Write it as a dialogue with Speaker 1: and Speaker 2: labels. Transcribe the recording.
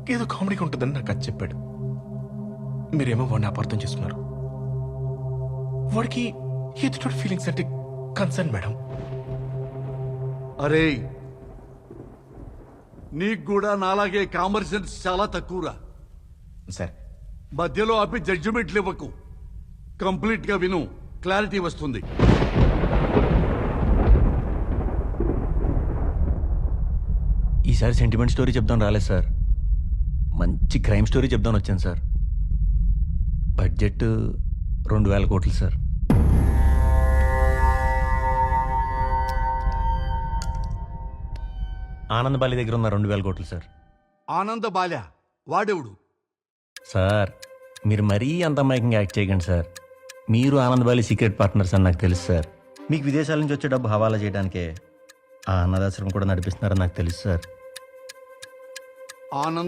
Speaker 1: ఏదో కామెడీగా ఉంటుందని నాకు అది చెప్పాడు. మీరేమో వాడిని అపార్థం చేసుకున్నారు. వాడికి ఎదుటి ఫీలింగ్స్ అంటే కన్సర్న్ మేడం.
Speaker 2: అరే, నీకు కూడా నాలాగే కామన్ సెన్స్ చాలా తక్కువరా.
Speaker 1: సార్
Speaker 2: మధ్యలో ఆపి జడ్జిమెంట్లు ఇవ్వకు. కంప్లీట్ గా విను, క్లారిటీ వస్తుంది.
Speaker 3: ఈసారి సెంటిమెంట్ స్టోరీ చెప్దాం రాలేదు సార్, మంచి క్రైమ్ స్టోరీ చెప్దాం వచ్చాను సార్. బడ్జెట్ 2,000 కోట్లు సార్. ఆనంద్ బాలి దగ్గర ఉన్న 2,000 కోట్లు సార్.
Speaker 2: ఆనంద బాల్య వాడెవడు?
Speaker 3: సార్ మీరు మరీ అంత అమాయకంగా యాక్ట్ చేయకండి సార్. మీరు ఆనంద్ బాలి సీక్రెట్ పార్ట్నర్స్ అని నాకు తెలుసు సార్. మీకు విదేశాల నుంచి వచ్చే డబ్బు హవాలా చేయడానికే ఆ అన్నదాశ్రమం కూడా నడిపిస్తున్నారని నాకు తెలుసు సార్.
Speaker 2: ఆనంద్